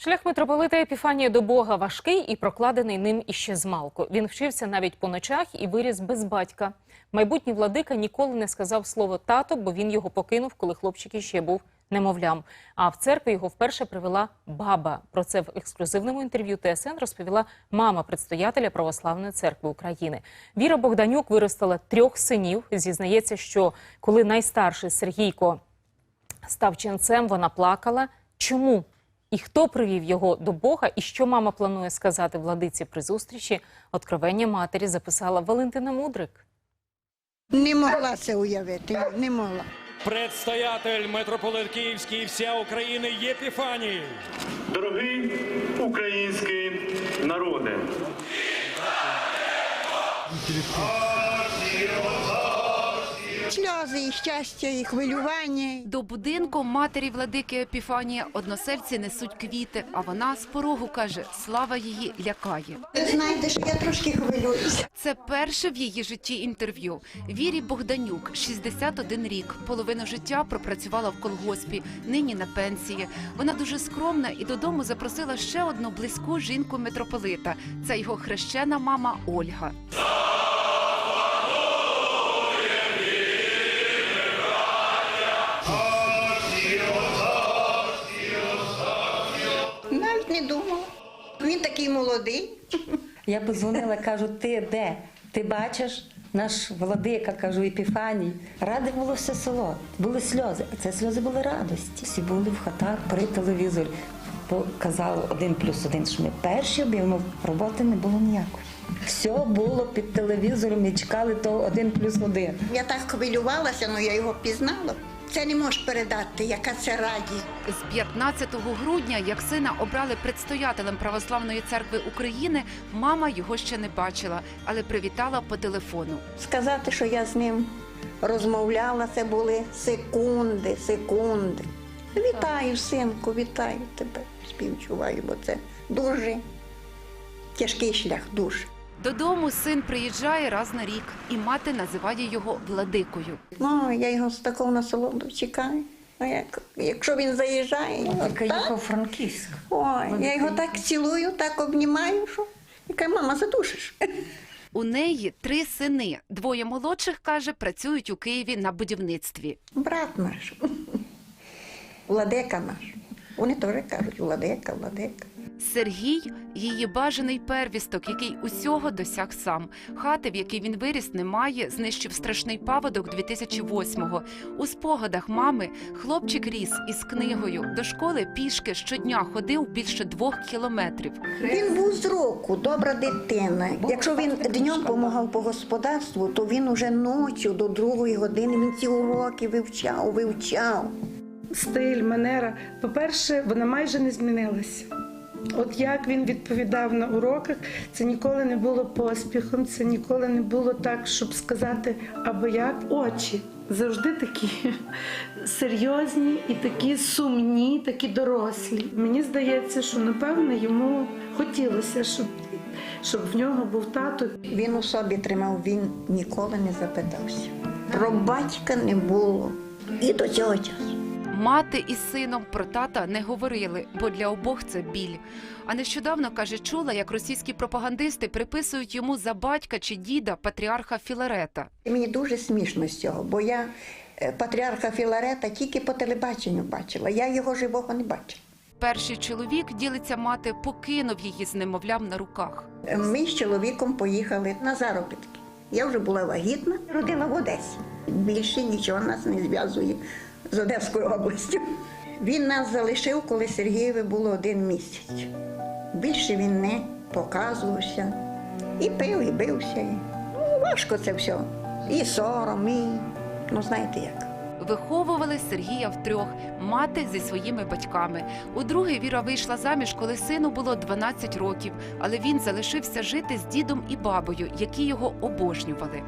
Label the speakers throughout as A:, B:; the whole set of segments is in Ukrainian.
A: Шлях митрополита Епіфанія до Бога важкий і прокладений ним іще змалку. Він вчився навіть по ночах і виріс без батька. Майбутній владика ніколи не сказав слово «тато», бо він його покинув, коли хлопчик іще був немовлям. А в церкві його вперше привела баба. Про це в ексклюзивному інтерв'ю ТСН розповіла мама предстоятеля Православної церкви України. Віра Богданюк виростила 3 синів. Зізнається, що коли найстарший Сергійко став ченцем, вона плакала. Чому? І хто привів його до Бога, і що мама планує сказати владиці при зустрічі, откровення матері записала Валентина Мудрик.
B: Не могла це уявити, не могла.
C: Предстоятель, митрополит Київський і вся України Єпіфаній.
D: Дорогий український народе,
B: Сльози, і щастя, і хвилювання.
E: До будинку матері владики Епіфанія односельці несуть квіти, а вона з порогу каже, слава її лякає.
B: Ви знаєте, що я трошки хвилююся.
E: Це перше в її житті інтерв'ю. Вірі Богданюк, 61 рік, половину життя пропрацювала в колгоспі, нині на пенсії. Вона дуже скромна і додому запросила ще одну близьку жінку митрополита. Це його хрещена мама Ольга.
B: Навіть не думала. Він такий молодий.
F: Я подзвонила, кажу, ти де? Ти бачиш? Наш владика, кажу, Епіфаній. Раде було все село, були сльози. А це сльози були радості. Всі були в хатах при телевізорі. Показали 1+1, що ми перші об'явили, роботи не було ніякої. Все було під телевізором і чекали того 1+1.
B: Я так хвилювалася, але я його пізнала. Це не можеш передати, яка це радість.
E: З 15 грудня, як сина обрали предстоятелем Православної церкви України, мама його ще не бачила, але привітала по телефону.
B: Сказати, що я з ним розмовляла, це були секунди. Вітаю, синку, вітаю тебе. Співчуваю, бо це дуже тяжкий шлях, дуже.
E: Додому син приїжджає раз на рік, і мати називає його владикою.
B: Ну, я його з такого насолоду чекаю. А якщо він заїжджає,
F: Тільки їхав Франківськ.
B: ой, я його так цілую, так обнімаю, що яка мама задушиш.
E: У неї 3 сини. 2 молодших, каже, працюють у Києві на будівництві.
B: Брат наш, владика наш. Вони теж кажуть, владика.
E: Сергій – її бажаний первісток, який усього досяг сам. Хати, в якій він виріс, немає, знищив страшний паводок 2008-го. У спогадах мами хлопчик ріс із книгою. До школи пішки щодня ходив більше 2 кілометрів.
B: Він був з року, добра дитина. Якщо він днем допомагав по господарству, то він уже ночі до 2-ї години, він ці уроки вивчав.
G: Стиль, манера, по-перше, вона майже не змінилася. От як він відповідав на уроках, це ніколи не було поспіхом, це ніколи не було так, щоб сказати або як. Очі завжди такі серйозні і такі сумні, такі дорослі. Мені здається, що, напевно, йому хотілося, щоб в нього був тато.
B: Він у собі тримав, він ніколи не запитався. Про батька не було і до цього часу.
E: Мати із сином про тата не говорили, бо для обох це біль. А нещодавно, каже, чула, як російські пропагандисти приписують йому за батька чи діда патріарха Філарета.
B: І мені дуже смішно з цього, бо я патріарха Філарета тільки по телебаченню бачила, я його живого не бачила.
E: Перший чоловік, ділиться мати, покинув її з немовлям на руках.
B: Ми з чоловіком поїхали на заробітки. Я вже була вагітна, родила в Одесі. Більше нічого нас не зв'язує з Одеською областю. Він нас залишив, коли Сергієві було 1 місяць. Більше він не показувався. І пив, і бився. Важко це все. І сором, і, знаєте як.
E: Виховували Сергія втрьох, мати зі своїми батьками. Удруге Віра вийшла заміж, коли сину було 12 років, але він залишився жити з дідом і бабою, які його обожнювали.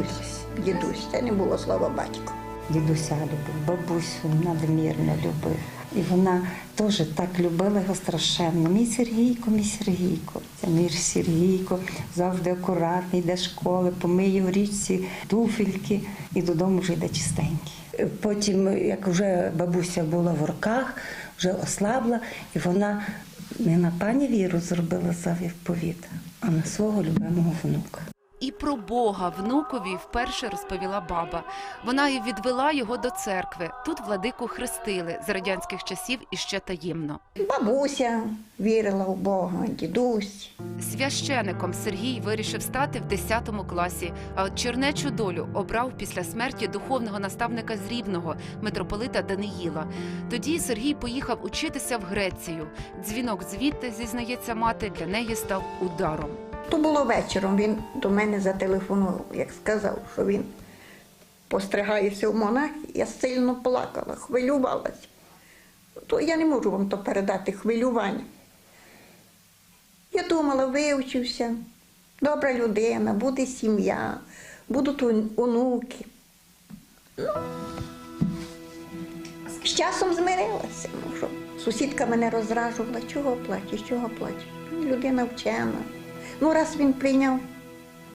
B: Дідусь, це не було слова батько.
F: Дідуся любив, бабусю надмірно любив. І вона теж так любила його страшенно. Мій Сергійко. Це мій Сергійко, завжди акуратний, йде з школи, помиє в річці туфельки і додому вже йде чистенький. Потім, як вже бабуся була в руках, вже ослабла, і вона Не на пані Віру зробила заповіт, а на свого любимого внука.
E: І про Бога внукові вперше розповіла баба. Вона і відвела його до церкви. Тут владику хрестили з радянських часів іще таємно.
B: Бабуся вірила в Бога, дідусь.
E: Священиком Сергій вирішив стати в 10 класі, а от чернечу долю обрав після смерті духовного наставника з Рівного, митрополита Даниїла. Тоді Сергій поїхав учитися в Грецію. Дзвінок звідти, зізнається мати, для неї став ударом.
B: То було вечором, він до мене зателефонував, як сказав, що він постригається в монах. Я сильно плакала, хвилювалася. То я не можу вам то передати, хвилювання. Я думала, вивчився, добра людина, буде сім'я, будуть онуки. Ну, з часом змирилася. Ну, що? Сусідка мене розражувала, чого плачеш, чого плачеш. Людина вчена. Ну, раз він прийняв